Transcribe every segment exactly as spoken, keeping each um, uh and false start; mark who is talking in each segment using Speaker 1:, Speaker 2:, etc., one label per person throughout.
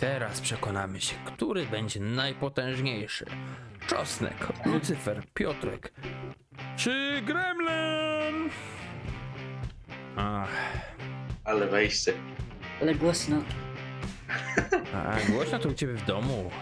Speaker 1: Teraz przekonamy się, który będzie najpotężniejszy. Czosnek, Lucyfer, Piotrek czy Gremlin? Ach,
Speaker 2: Ale wejście.
Speaker 3: Ale głośno.
Speaker 1: a głośno to u ciebie w domu.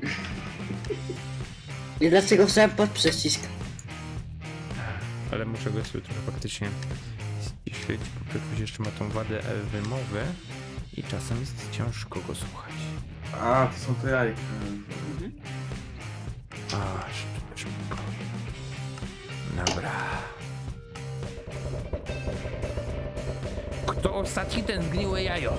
Speaker 3: I dlaczego chciałem pod przycisk?
Speaker 1: Ale muszę go sobie trochę faktycznie śledzić, bo Piotruś jeszcze ma tą wadę wymowy i czasem jest ciężko go słuchać.
Speaker 4: A, to są te jajka.
Speaker 1: A, szybko, szybko. Dobra. Kto ostatni, ten zgniłe jajo?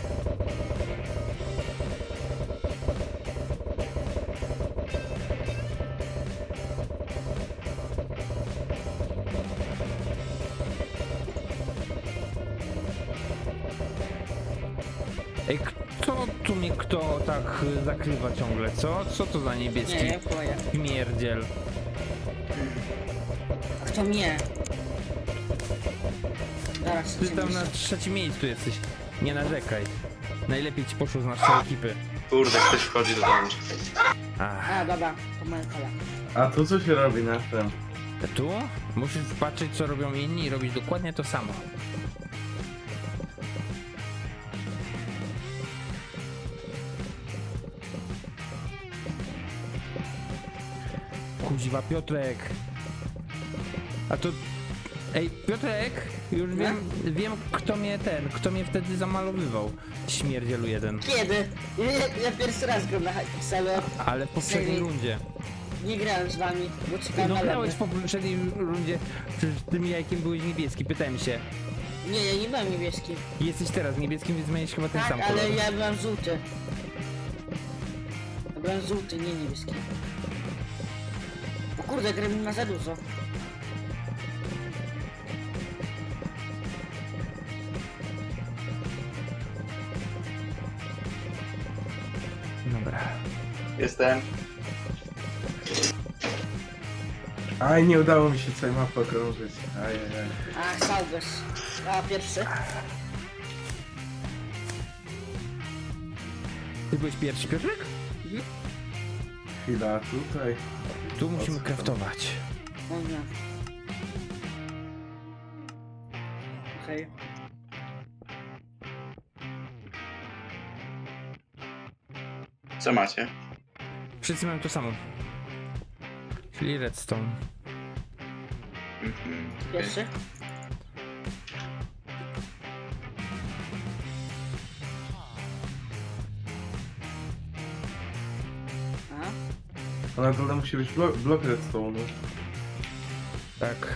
Speaker 1: Ej, kto tu mnie kto tak y, zakrywa ciągle, co? Co to za niebieski
Speaker 3: Nie, boję.
Speaker 1: śmierdziel?
Speaker 3: A kto mnie? Zaraz,
Speaker 1: Ty tam na trzecim miejscu jesteś. Nie narzekaj. Najlepiej ci poszło z naszej ekipy.
Speaker 2: Kurde, ktoś wchodzi do domu.
Speaker 1: Ach.
Speaker 3: A, dobra, to moja kola.
Speaker 4: A to co się robi na tym?
Speaker 1: Tu musisz patrzeć, co robią inni i robić dokładnie to samo. Kuźwa, Piotrek. A to... Ej, Piotrek, już wiem, wiem kto mnie ten, kto mnie wtedy zamalowywał. Śmierdzielu jeden.
Speaker 3: Kiedy? Ja, ja pierwszy raz gram na Hypixelu.
Speaker 1: Ale w poprzedniej
Speaker 3: Serio?
Speaker 1: rundzie.
Speaker 3: Nie grałem z wami, bo czekałem
Speaker 1: No
Speaker 3: na
Speaker 1: grałeś
Speaker 3: lody.
Speaker 1: w poprzedniej rundzie, przecież tym jajkiem byłeś niebieski, pytałem się.
Speaker 3: Nie, ja nie byłem niebieski.
Speaker 1: Jesteś teraz niebieskim, więc zmienisz chyba ten
Speaker 3: Tak,
Speaker 1: sam kolor.
Speaker 3: ale ja byłem żółty. Ja byłem żółty, nie niebieski. O kurde, Gremlin ma za dużo.
Speaker 1: Dobra.
Speaker 2: Jestem.
Speaker 4: Aj, nie udało mi się całej mapy okrążyć. Ajajaj.
Speaker 3: A, Salvers. A, pierwszy.
Speaker 1: Ty byłeś pierwszy, Piotrek?
Speaker 4: Chwila, tutaj.
Speaker 1: Tu musimy kraftować.
Speaker 3: O nie. Okej.
Speaker 2: Co macie?
Speaker 1: Wszyscy mają to samo. Czyli redstone.
Speaker 2: Mhm.
Speaker 3: Pierwszy. A,
Speaker 4: A na dole musi być blok, blok redstone.
Speaker 1: Tak.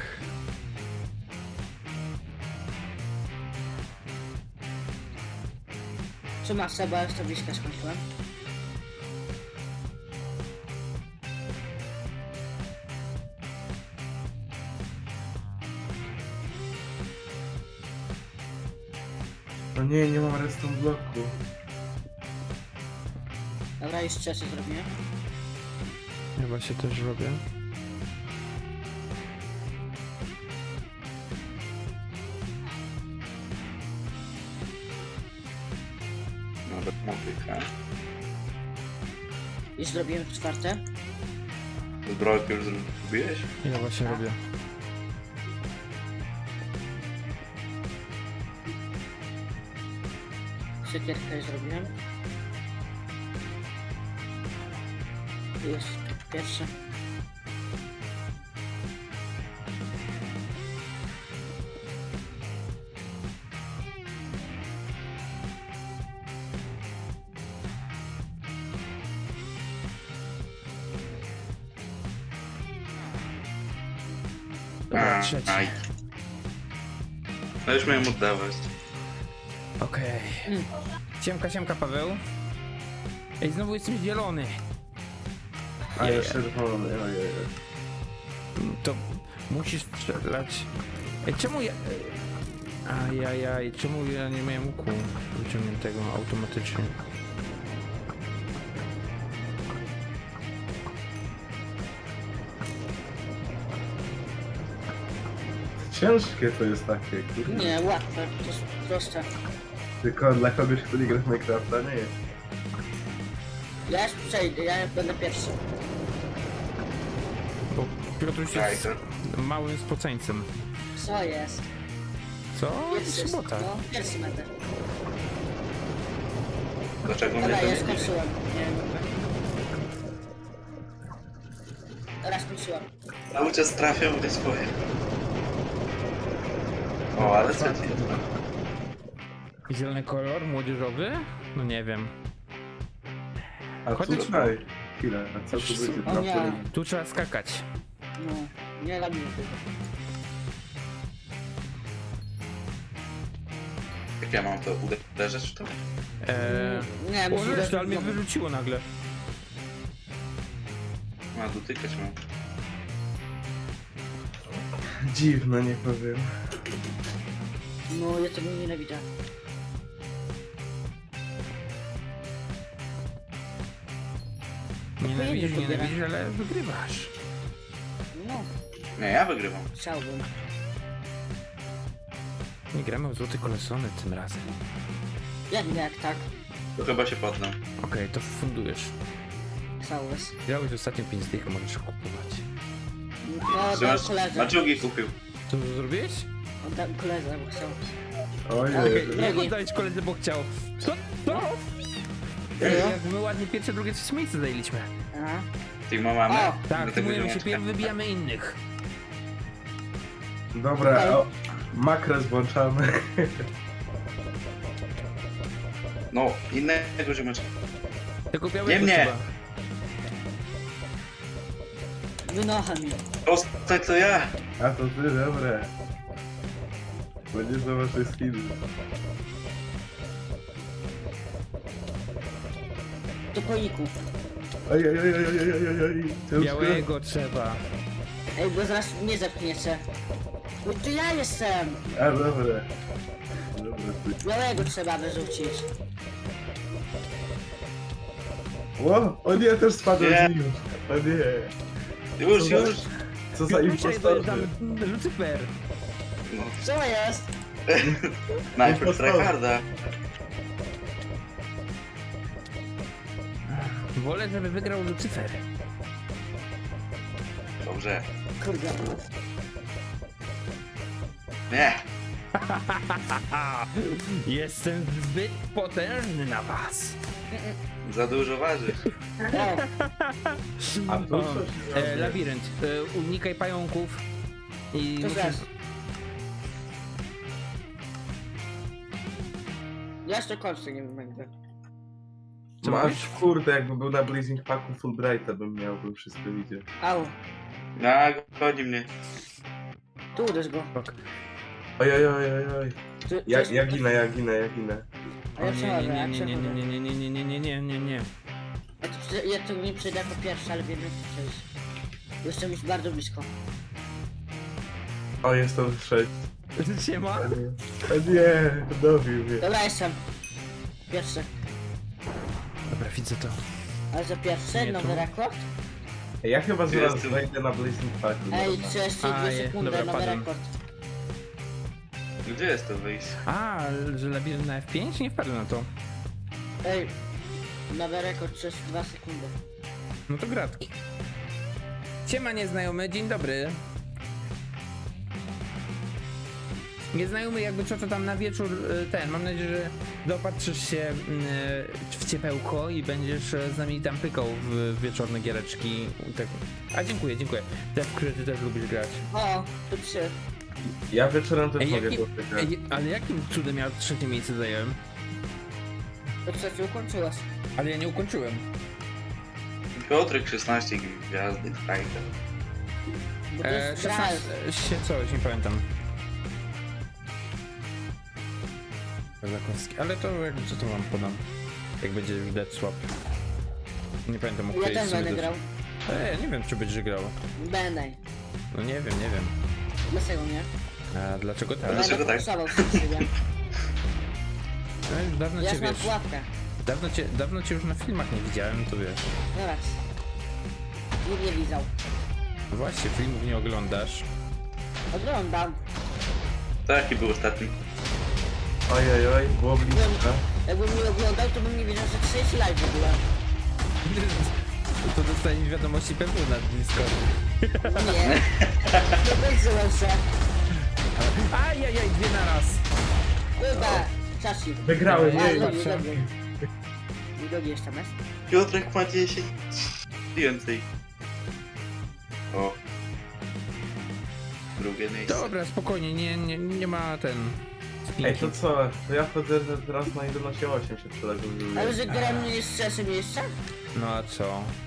Speaker 3: czy masz Seba, już tabliczkę skończyłem.
Speaker 4: No nie, nie mam redstone bloku.
Speaker 3: Dobra, już trzeci zrobiłem.
Speaker 1: Chyba się też robię.
Speaker 2: Nawet muzykę.
Speaker 3: Już zrobiłem czwarte.
Speaker 2: Zbrojkę już zrobiłeś?
Speaker 1: Ja właśnie robię.
Speaker 3: Siekierkę już zrobiłem. Jest pierwszy.
Speaker 1: Dobra,
Speaker 2: A,
Speaker 1: trzeci.
Speaker 2: aj. No już miałem oddawać.
Speaker 1: Okej.
Speaker 3: Mm.
Speaker 1: Siemka, siemka, Paweł. Ej, znowu jestem zielony.
Speaker 4: A
Speaker 1: Je-
Speaker 4: jeszcze czerwony, ojej.
Speaker 1: To musisz strzelać. Ej, czemu ja... Ajajaj, czemu ja nie miałem łuku wyciągniętego automatycznie?
Speaker 4: Ciężkie to jest takie, kurde.
Speaker 3: Nie, łatwe, to jest proste.
Speaker 4: Tylko dla kogoś, kto nie gra w Minecrafta, nie jest.
Speaker 3: Ja już przejdę, ja będę pierwszy.
Speaker 1: Bo Piotruś
Speaker 2: Daj
Speaker 1: jest
Speaker 2: to.
Speaker 1: małym spoceńcem.
Speaker 3: Co jest?
Speaker 1: Co?
Speaker 3: Pierwszy,
Speaker 1: Sobota.
Speaker 3: no, pierwszy będę.
Speaker 2: Dlaczego mnie
Speaker 3: Dobra,
Speaker 2: to
Speaker 3: ja
Speaker 2: nie dziwi?
Speaker 3: skończyłem. Nie wiem. Teraz skończyłem.
Speaker 2: Cały czas trafią mnie swoje. O, ale co ci?
Speaker 1: Zielony kolor, młodzieżowy? No nie wiem.
Speaker 4: A
Speaker 1: Chodź-
Speaker 4: tutaj, chwilę, a co tu będzie?
Speaker 3: O nie.
Speaker 4: Trampolin.
Speaker 1: Tu trzeba skakać.
Speaker 3: No, nie robię tego.
Speaker 2: Jak ja mam to uderzać w to?
Speaker 1: Eee,
Speaker 3: Nie,
Speaker 1: o,
Speaker 3: muszę
Speaker 1: reszta, ale mnie
Speaker 3: znowu.
Speaker 1: wyrzuciło nagle.
Speaker 2: Ma dotykać mam.
Speaker 4: Dziwne, nie powiem.
Speaker 3: No, ja tego nienawidzę.
Speaker 1: Nienawidzisz,
Speaker 3: Pojedzie
Speaker 1: nienawidzisz, ale wygrywasz.
Speaker 3: No,
Speaker 2: Nie, ja wygrywam.
Speaker 3: chciałbym.
Speaker 1: Nie gramy w złoty kolesony tym razem.
Speaker 3: Jak nie, jak tak?
Speaker 2: To chyba się poddam.
Speaker 1: Okej, to fundujesz.
Speaker 3: Całus.
Speaker 1: Grałeś ostatnio pięć dych, możesz kupować.
Speaker 3: No,
Speaker 2: Że
Speaker 3: dam
Speaker 2: masz,
Speaker 3: koledze.
Speaker 2: maczugi kupił.
Speaker 1: Co to zrobiłeś?
Speaker 3: Oddam koledze, bo chciał.
Speaker 4: Ojej.
Speaker 1: Okej,
Speaker 3: Drugi.
Speaker 1: jak oddałeś koledze, bo chciał. Co? Co? Ej, jak my ładnie pierwsze, drugie, trzecie miejsce zajęliśmy.
Speaker 3: Aha.
Speaker 2: Team mamy?
Speaker 3: O!
Speaker 1: Tak,
Speaker 2: Do tego
Speaker 1: tymujemy się
Speaker 2: ziomeczka.
Speaker 1: pierw, wybijamy innych.
Speaker 4: Dobra, o, makres włączamy.
Speaker 2: No, innego ziomeczka.
Speaker 1: Tylko białego
Speaker 2: Nie mnie.
Speaker 1: trzeba.
Speaker 3: Wynocha mi.
Speaker 2: Ostatnio to ja.
Speaker 4: A to ty, dobre. Będzie za wasze skiny.
Speaker 3: Do koiku.
Speaker 4: Oj, oj, oj, oj, oj, oj, oj, oj. Ciężko.
Speaker 1: Białego trzeba.
Speaker 3: Ej, bo zaraz mnie zepchniecie. Bo to ja jestem.
Speaker 4: A, dobre. Dobra, ty.
Speaker 3: Białego trzeba wyrzucić.
Speaker 4: O, o nie, też spadłem
Speaker 2: Nie.
Speaker 4: z nim. O nie.
Speaker 2: Już,
Speaker 4: Co za-
Speaker 2: już.
Speaker 4: Co za
Speaker 1: Piotrusia,
Speaker 4: impostorzy.
Speaker 1: dojeżdżamy. Lucyfer.
Speaker 2: No,
Speaker 3: Co jest?
Speaker 2: najpierw
Speaker 4: Impostor.
Speaker 2: tryharda.
Speaker 1: Wolę, żeby wygrał Lucyfer.
Speaker 2: Dobrze.
Speaker 3: Kurde.
Speaker 2: Nie.
Speaker 1: Jestem zbyt potężny na was.
Speaker 2: Za dużo ważysz.
Speaker 3: O,
Speaker 4: A tu
Speaker 1: O,
Speaker 4: coś
Speaker 1: e,
Speaker 4: zrobię.
Speaker 1: labirynt. E, unikaj pająków. I
Speaker 3: to
Speaker 1: musisz...
Speaker 3: też. Ja jeszcze kończę, nie będę.
Speaker 1: Co
Speaker 4: Masz,
Speaker 1: mówisz?
Speaker 4: kurde, jakby był na Blazing Packu Fulbrighta bym miał, bym wszystko widział.
Speaker 3: Au,
Speaker 2: No, goni mnie.
Speaker 3: tu uderz go.
Speaker 4: Oj, oj, oj, oj, oj.
Speaker 3: Tu,
Speaker 4: Ja,
Speaker 3: tu-
Speaker 4: ja ginę, ja ginę, ja ginę.
Speaker 3: A ja
Speaker 1: O, nie,
Speaker 3: przechodzę,
Speaker 1: nie,
Speaker 3: ja
Speaker 1: nie, nie, nie,
Speaker 3: przechodzę.
Speaker 1: nie, nie, nie, nie, nie, nie, nie, nie, nie.
Speaker 3: Ja tu, prze- ja tu nie przejdę jako pierwszy, ale wiem jak to przejść. Jestem już bardzo blisko.
Speaker 4: O, jest to sześć.
Speaker 1: Siema.
Speaker 4: O nie, o nie, dobił mnie.
Speaker 3: Dobra, jestem. Pierwszy.
Speaker 1: Dobra, widzę to.
Speaker 3: Ale za pierwszy,
Speaker 1: Nie,
Speaker 3: nowy
Speaker 1: tu.
Speaker 3: rekord.
Speaker 4: Ja chyba zaraz
Speaker 2: Jestem.
Speaker 4: wejdę na Blazing Packu.
Speaker 3: Ej,
Speaker 4: dobra.
Speaker 3: trzydzieści
Speaker 1: A,
Speaker 3: dwie
Speaker 1: je-
Speaker 3: sekundy,
Speaker 1: dobra,
Speaker 3: nowy
Speaker 1: padłem.
Speaker 3: rekord.
Speaker 2: Gdzie jest to wyjście?
Speaker 1: A, że labirynt na F pięć? Nie wpadłem na to.
Speaker 3: Ej, nowy rekord trzydzieści dwa sekundy.
Speaker 1: No to gratki. Siema nieznajomy, dzień dobry. Nieznajomy, jakby co to tam na wieczór y, ten, mam nadzieję, że dopatrzysz się y, w ciepełko i będziesz y, z nami tam pykał w wieczorne giereczki. Tak. A dziękuję, dziękuję. Te, w które ty też lubisz grać.
Speaker 3: O, tu trzy.
Speaker 4: Ja wieczorem też
Speaker 1: Ej,
Speaker 4: mogę
Speaker 1: jaki,
Speaker 4: dotykać.
Speaker 1: ej, ale jakim cudem ja trzecie miejsce zająłem?
Speaker 3: To trzeci ukończyłeś.
Speaker 1: Ale ja nie ukończyłem.
Speaker 2: Piotrek szesnaście gwiazdy, fajka.
Speaker 3: Bo to
Speaker 1: E,
Speaker 3: jest gra.
Speaker 1: szesnaście, się coś, nie pamiętam. Zakowski. Ale to jak, co to wam podam? Jak będzie już Dead Swap. Nie pamiętam o
Speaker 3: Ja
Speaker 1: której
Speaker 3: też
Speaker 1: sobie
Speaker 3: będę
Speaker 1: dosz-
Speaker 3: grał.
Speaker 1: E, nie wiem czy będziesz grał.
Speaker 3: Będę.
Speaker 1: No nie wiem, nie wiem.
Speaker 3: Dlaczego nie?
Speaker 1: A dlaczego tak?
Speaker 2: Dlaczego
Speaker 3: Będę
Speaker 2: tak?
Speaker 3: forsował w siebie.
Speaker 1: No, już dawno
Speaker 3: Ja
Speaker 1: cię
Speaker 3: już mam
Speaker 1: wiesz.
Speaker 3: pułapkę.
Speaker 1: Dawno cię, dawno cię już na filmach nie widziałem, to wiesz.
Speaker 3: Zobacz. Nikt nie widział.
Speaker 1: No właśnie, filmów nie oglądasz.
Speaker 3: Oglądam.
Speaker 2: Taki był ostatni.
Speaker 4: Oj, oj, oj, było blisko.
Speaker 3: Jakbym nie oglądał, to bym nie wiedział, że trzydzieści live w ogóle.
Speaker 1: To dostaniesz wiadomości P W na Discordzie.
Speaker 3: Nie. To będzie lepsze.
Speaker 1: Ajajaj, dwie na raz.
Speaker 3: Chyba. Czashi.
Speaker 4: Wygrałem,
Speaker 1: Ej,
Speaker 3: A,
Speaker 4: jej.
Speaker 3: drugi,
Speaker 1: patrzę.
Speaker 3: drugi. I drugi jeszcze masz?
Speaker 2: Piotrek ma dziesięć więcej. O. Drugie miejsce.
Speaker 1: Dobra, spokojnie, nie, nie, nie ma ten...
Speaker 4: Ej, to co? To ja wchodzę teraz na jedenaście osiem się przyległ.
Speaker 3: Ale że gra mnie jest w trzecim miejscu?
Speaker 1: No a co?